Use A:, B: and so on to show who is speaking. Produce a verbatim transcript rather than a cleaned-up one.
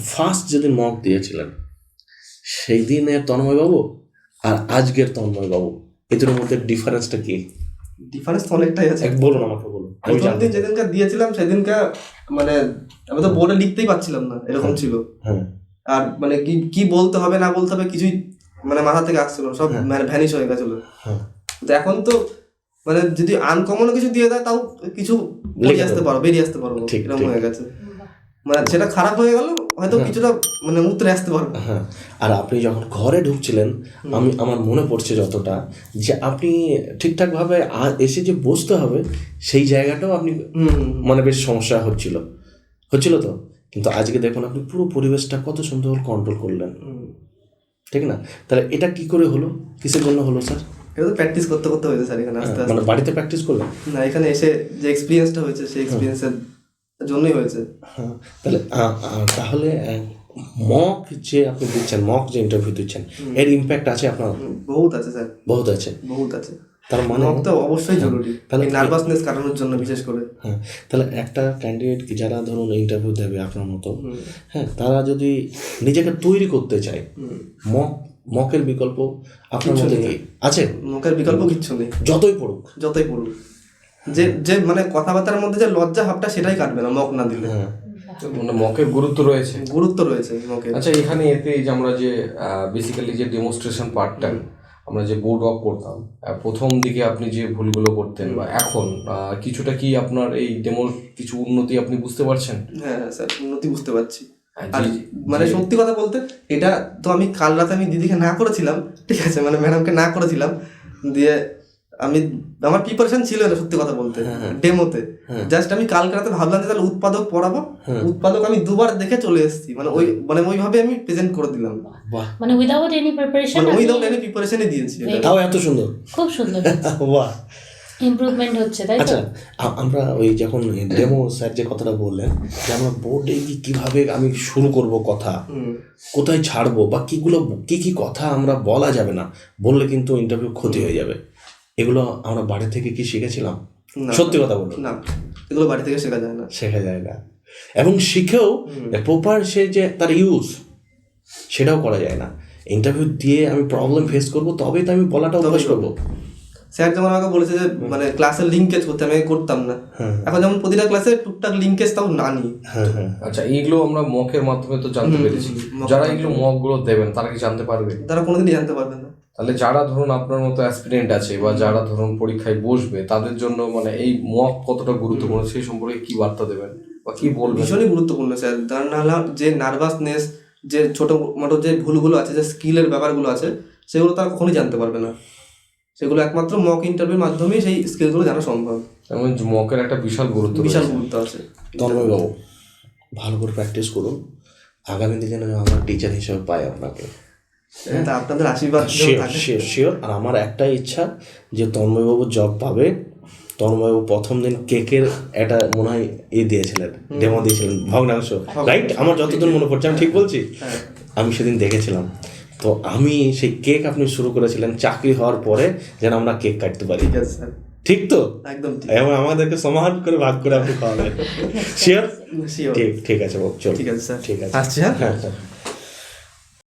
A: First যেদিন mock দিয়েছিলেন সেই দিনের তন্ময়বাবু আর আজকের তন্ময়বাবু এদের মধ্যে ডিফারেন্সটা কি?
B: ডিফারেন্স তো অনেকটাই আছে।
A: এক বলুন, আমাকে বলুন। আমি
B: প্রথম দিন যেদিনকার দিয়েছিলাম সেদিনকা মানে আমি তো বোর্ডে লিখতেই পারছিলাম না, এরকম ছিল।
A: হ্যাঁ,
B: আর মানে কি কি বলতে হবে না বলতে হবে কিছুই মানে মাথা থেকে আসছিল, সব মানে ভ্যানিশ হয়ে গেছিল। তো এখন তো মানে যদি আনকমন কিছু দিয়ে দেয় তাও কিছু বেরিয়ে আসতে পারো বেরিয়ে আসতে পারবো এরকম হয়ে গেছে। মানে সেটা খারাপ হয়ে গেল হয়তো কিছুটা মানে উতরে আসতে পারবো।
A: হ্যাঁ, আর আপনি যখন ঘরে ঢুকছিলেন আমি আমার মনে পড়ছে যতটা যে আপনি ঠিকঠাকভাবে এসে যে বসতে হবে সেই জায়গাটাও আপনি মানে বেশ সমস্যা হচ্ছিল হচ্ছিল তো। কিন্তু আজকে দেখুন আপনি পুরো পরিবেশটা কত সুন্দর কন্ট্রোল করলেন, ঠিক না? তাহলে এটা কি করে হলো, কিসের জন্য হলো স্যার?
B: এটা তো প্র্যাকটিস করতে করতে হয়েছে স্যার, এখানে আস্তে আস্তে।
A: মানে বাড়িতে প্র্যাকটিস করলেন
B: না, এখানে এসে যে এক্সপিরিয়েন্সটা হয়েছে সেই এক্সপিরিয়েন্সের জন্যই হয়েছে।
A: হ্যাঁ, তাহলে তাহলে মক যে আপনি দিচ্ছেন, মক যে ইন্টারভিউ দিচ্ছেন এর ইম্প্যাক্ট আছে আপনার?
B: বহুত আছে স্যার,
A: বহুত আছে,
B: বহুত আছে।
A: তার মানে
B: মক তো অবশ্যই জরুরি, তাহলে নার্ভাসনেস কাটানোর জন্য বিশেষ করে।
A: হ্যাঁ, তাহলে একটা ক্যান্ডিডেট যারা ধরুন ইন্টারভিউ দেবে আপনার মতো, হ্যাঁ, তারা যদি নিজেকে তৈরি করতে চায়, মক মকের বিকল্প আপনার মধ্যে কি আছে?
B: মকের বিকল্প কিচ্ছু নেই,
A: যতই পড়ুক
B: যতই পড়ুক যে যে মানে কথাবার্তার মধ্যে যে লজ্জা ভাবটা সেটাই কাটবে না মক না দিলে।
C: মানে মকের গুরুত্ব রয়েছে,
B: গুরুত্ব রয়েছে মকের।
C: আচ্ছা, এখানে এতে যে আমরা যে বেসিক্যালি যে ডেমনস্ট্রেশন পার্টটা আমরা যে বোর্ড ওয়ার্ক করতাম, প্রথম দিকে আপনি যে ভুলগুলো করতেন বা এখন কিছুটা কি আপনার এই ডেমোর কিছু উন্নতি আপনি বুঝতে পারছেন?
B: হ্যাঁ স্যার, উন্নতি বুঝতে পারছি। আর মানে সত্যি কথা বলতে এটা তো আমি কাল রাতে আমি দিদিকে না করেছিলাম, ঠিক আছে, মানে ম্যাডামকে না করেছিলাম, দিয়ে আমি আমার প্রিপারেশন ছিল না সত্যি কথা বলতে ডেমোতে। জাস্ট আমি কালকে রাতে ভাবলাম যে তাহলে উৎপাদক পড়াবো, উৎপাদক আমি দুবার দেখে চলে এসেছি, মানে ওই মানে ওইভাবে আমি প্রেজেন্ট করে দিলাম,
D: মানে উইদাউট এনি প্রিপারেশন,
B: মানে উইদাউট এনি প্রিপারেশনই দিয়েছি।
A: তাও এত সুন্দর,
D: খুব সুন্দর,
A: বাহ,
D: ইমপ্রুভমেন্ট হচ্ছে, তাই তো?
A: আচ্ছা, আমরা ওই যখন ডেমো স্যার যে কথাটা বললেন যে আমরা বোর্ডে কি কিভাবে আমি শুরু করব কথা, কোথায় ছাড়বো বা কিগুলো কি কি কথা আমরা বলা যাবে না, বললে কিন্তু ইন্টারভিউ ক্ষতি হয়ে যাবে, এগুলো আমরা বাড়ি থেকে কি শিখেছিলাম? সত্যি কথা বলুন
B: না, এগুলো বাড়ি থেকে শেখা যায় না,
A: শেখা যায় না। এবং শিখেও প্রপার সে যে তার ইউজ সেটাও করা যায় না। ইন্টারভিউ দিয়ে আমি প্রবলেম ফেস করবো তবেই তো আমি বলাটা অভ্যাস করবো।
B: স্যার যেমন আমাকে বলেছে যে মানে ক্লাসের লিঙ্কেজ করতে, আমি করতাম না। এখন যেমন প্রতিটা ক্লাসে টুকটাক লিঙ্কেজ তাও না নিই।
C: আচ্ছা, এইগুলো আমরা মকের মাধ্যমে তো জানতে পেরেছি, যারা এগুলো মকগুলো দেবেন তারা কি জানতে পারবে?
B: তারা কোনোদিনই জানতে পারবে না।
C: তাহলে যারা ধরুন আপনার মতো অ্যাসপিরেন্ট আছে বা যারা ধরুন পরীক্ষায় বসবে তাদের জন্য মানে এই মক কতটা গুরুত্বপূর্ণ সেই সম্পর্কে কি বার্তা দেবেন বা কি বলবেন?
B: ভীষণই গুরুত্বপূর্ণ স্যার, তার নাহলে যে নার্ভাসনেস, যে ছোটো মোটো যে ভুলগুলো আছে, যে স্কিলের ব্যাপারগুলো আছে, সেগুলো তারা কখনোই জানতে পারবে না। সেগুলো একমাত্র মক ইন্টারভিউর মাধ্যমেই সেই স্কিলগুলো জানা সম্ভব।
C: যেমন মকের একটা বিশাল গুরুত্ব,
B: বিশাল গুরুত্ব আছে।
A: তন্ময়বাবু, ভালো করে প্র্যাকটিস করুন, আগামী দিনে যেন আমার টিচার হিসেবে পাই আপনাকে।
B: তা আপনাদের আশীর্বাদ
A: শিওর। আর আমার একটাই ইচ্ছা যে তন্ময়বাবু জব পাবে। তন্ময়বাবু প্রথম দিন কেকের একটা মনে হয় ই দিয়েছিলেন, ডেমো দিয়েছিলেন, ভগ্নাংশ, রাইট? আমার যতদূর মনে পড়ছে, আমি ঠিক বলছি? আমি সেদিন দেখেছিলাম। তো আমি সেই কেক আপনি শুরু করেছিলেন চাকরি হওয়ার পরে যেন আমরা কেক কাটতে পারি, ঠিক তো?
B: একদম
A: এবং আমাদেরকে সমাহার করে ভাগ করে আপনি খাওয়াবেন। শিওর? ঠিক ঠিক আছে বাবু, চল।
B: ঠিক আছে স্যার,
A: ঠিক আছে,
B: আসছি। হ্যাঁ
A: হ্যাঁ।